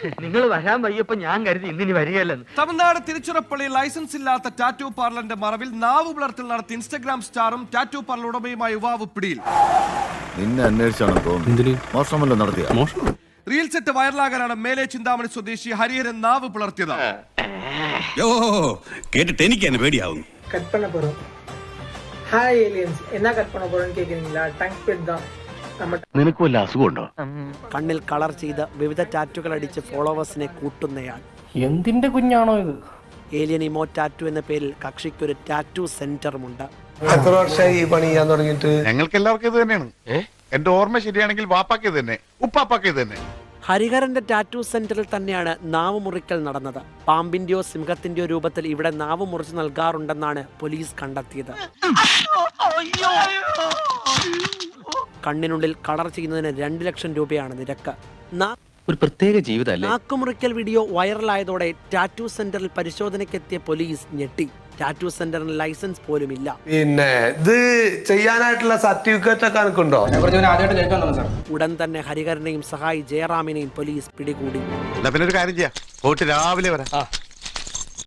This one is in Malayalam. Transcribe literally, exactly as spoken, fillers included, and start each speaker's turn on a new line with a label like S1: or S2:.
S1: നിങ്ങൾ വരാൻ വയ്യപ്പോ ഞാൻ കരുതി ഇന്നിനി വരികയല്ലെന്ന്.
S2: തമിഴ്നാട് തിരുച്ചിറപ്പള്ളി ലൈസൻസ് ഇല്ലാത്ത ടാറ്റു പാർലറിന്റെ മറവിൽ നാവ് പുലർത്തൽ നടത്തി ഇൻസ്റ്റഗ്രാം സ്റ്റാറും ടാറ്റു പാർലർ ഉടമയുമായ യുവാവ് പിടിയിൽ.
S3: നിന്നെ അന്വേഷിച്ചാണ് തോന്നുന്നു. മോഷണമല്ലോ നടത്തിയ
S2: റീൽസ് ഇട്ട് വൈറലാകാനാണ് മേലെ ചിന്താമണി സ്വദേശി ഹരിഹരൻ നാവ് പുലർത്തിയത്.
S4: കേട്ടിട്ട് എനിക്ക് തന്നെ പേടിയാവുന്നു.
S5: கட் பண்ண போறோம். ஹாய் ஏலியன்ஸ், என்ன கட் பண்ண போறோம்னு கேக்குறீங்களா? டங் பெட் தான்.
S6: നിനക്ക് വല്ല അസുഖമുണ്ടോ?
S7: കണ്ണിൽ കളർ ചെയ്ത് വിവിധ ടാറ്റുകൾ അടിച്ച് ഫോളോവേഴ്സിനെ കൂട്ടുന്നയാൾ.
S8: എന്തിന്റെ കുഞ്ഞാണോ ഇത്?
S7: ഏലിയൻ ഇമോ ടാറ്റു എന്ന പേരിൽ കക്ഷിക്കൊരു ടാറ്റു സെന്ററുമുണ്ട്.
S9: എത്ര വർഷമായി ഈ പണി ചെയ്യാൻ തുടങ്ങിയിട്ട്?
S6: ഞങ്ങൾക്ക് എല്ലാവർക്കും ഇത് തന്നെയാണ്. എന്റെ ഓർമ്മ ശരിയാണെങ്കിൽ വാപ്പാക്ക് ഇത് തന്നെ, ഉപ്പാപ്പാക്ക് ഇത് തന്നെ.
S7: ഹരിഹരന്റെ ടാറ്റു സെന്ററിൽ തന്നെയാണ് നാവ് മുറിക്കൽ നടന്നത്. പാമ്പിന്റെയോ സിംഹത്തിന്റെയോ രൂപത്തിൽ ഇവിടെ നാവ് മുറിച്ച് നൽകാറുണ്ടെന്നാണ് പോലീസ് കണ്ടെത്തിയത്. കണ്ണിനുള്ളിൽ കളർ ചെയ്യുന്നതിന് രണ്ട് ലക്ഷം രൂപയാണ് നിരക്ക്.
S4: ഒരു പ്രത്യേക ജീവിതമല്ലേ.
S7: നാക്കുമുറിക്കൽ വീഡിയോ വൈറലായതോടെ ടാറ്റു സെന്ററിൽ പരിശോധനയ്ക്കെത്തിയ പോലീസ് ഞെട്ടി. ടാറ്റു സെന്ററിന് ലൈസൻസ് പോലും ഇല്ല.
S9: പിന്നെ ഇത് ചെയ്യാനായിട്ടുള്ള സർട്ടിഫിക്കറ്റ് ഒക്കെ എനിക്കുണ്ടോ?
S7: ഉടൻ തന്നെ ഹരിഹരനെയും സഹായി ജയറാമിനെയും പോലീസ് പിടികൂടി.
S6: പിന്നെ ഒരു കാര്യം ചെയ്യാം, പോയിട്ട് രാവിലെ വരാം.